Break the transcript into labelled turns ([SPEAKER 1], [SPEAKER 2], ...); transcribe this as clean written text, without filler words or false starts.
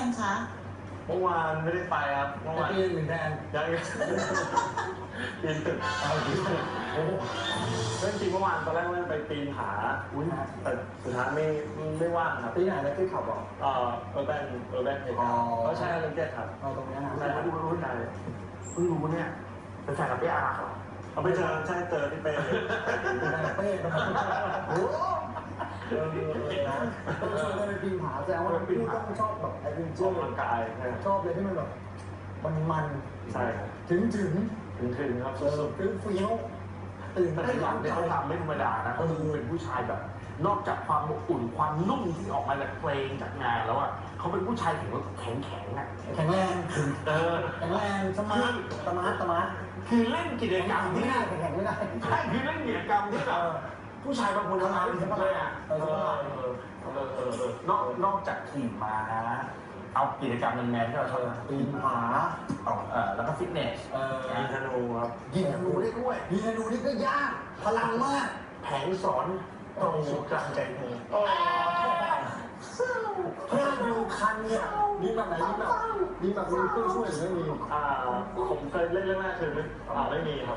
[SPEAKER 1] ยังคะ
[SPEAKER 2] เมื่อวานไม่ได้ไปครับเมื่อวาน
[SPEAKER 3] ปีหนึ่งแทน
[SPEAKER 2] ยังปีนตึก
[SPEAKER 3] เอาดีโอ้โห
[SPEAKER 2] เรื่องจริงเมื่อวานตอนแรกว่าจะไปปีนผาแต่สุดท้ายไม่ว่างครับ
[SPEAKER 3] ปีไหนแล้วที่ขับบอก
[SPEAKER 2] เออแบนเพจเขาใช่เรื่องเจ็ดครับ
[SPEAKER 3] เอาตรงนี้นะ
[SPEAKER 2] ใช่ครับ
[SPEAKER 4] รู้ใจเพิ่งรู้เนี่ยเป็นแฟนกับเป้อารักเหรอ
[SPEAKER 2] เอาไปเจอใช่เจอที่เป้
[SPEAKER 3] เป้โอ้โหนะต้องไปปีนผาแสดงว่าพี่ต้องชอบแบบไอ้เป็น
[SPEAKER 2] อ
[SPEAKER 3] เชื่
[SPEAKER 2] อ
[SPEAKER 3] อก
[SPEAKER 2] กำลังกายใช่
[SPEAKER 3] ชอบเลยที่มันแบบมัน
[SPEAKER 2] ใช่ครับ
[SPEAKER 3] ถึง
[SPEAKER 2] ถึงครับสุด
[SPEAKER 3] ฟิลฟิลตื่น
[SPEAKER 4] แต่
[SPEAKER 3] เต้น
[SPEAKER 4] หลังเนี่ยเขาทำไม่ธรรมดานะเขาเป็นผู้ชายแบบ นอกจากความอบอุ่นความนุ่มที่ออกมาจากเพลงจากงานแล้วอ่ะเขาเป็นผู้ชายแข็งอ่ะ
[SPEAKER 3] แข็งแรง แข็งแรงสมาร์ทสมาร์ท
[SPEAKER 4] คือเล่นกิจกรรม
[SPEAKER 3] ไม่
[SPEAKER 4] ที่
[SPEAKER 3] ได้แข็งไม่ได้
[SPEAKER 4] ใช่คือเล่นกิจกรรมที่แบบผู้ชายบางคนทำงานเลยอ่ะนอกจากขี่ม้าเอากิจกรรมแมนๆที่เราชอบ
[SPEAKER 3] ปีนผา
[SPEAKER 4] แล้วก็ฟิตเนส
[SPEAKER 2] ๆยิงธนูครับ
[SPEAKER 3] ยิงธนูได้ด้วยยิงธนูนี่ก็ยากพลังมาก
[SPEAKER 4] แผงสอนตรงสู่กลางใจเธอ
[SPEAKER 3] พลาดดูคันเนี่ยมีแบบไหนมีแบบมีเครื่องช่วยหรือไม่มี
[SPEAKER 2] ผมเคยเล่นเรื่องแรกคือไม่มีครับ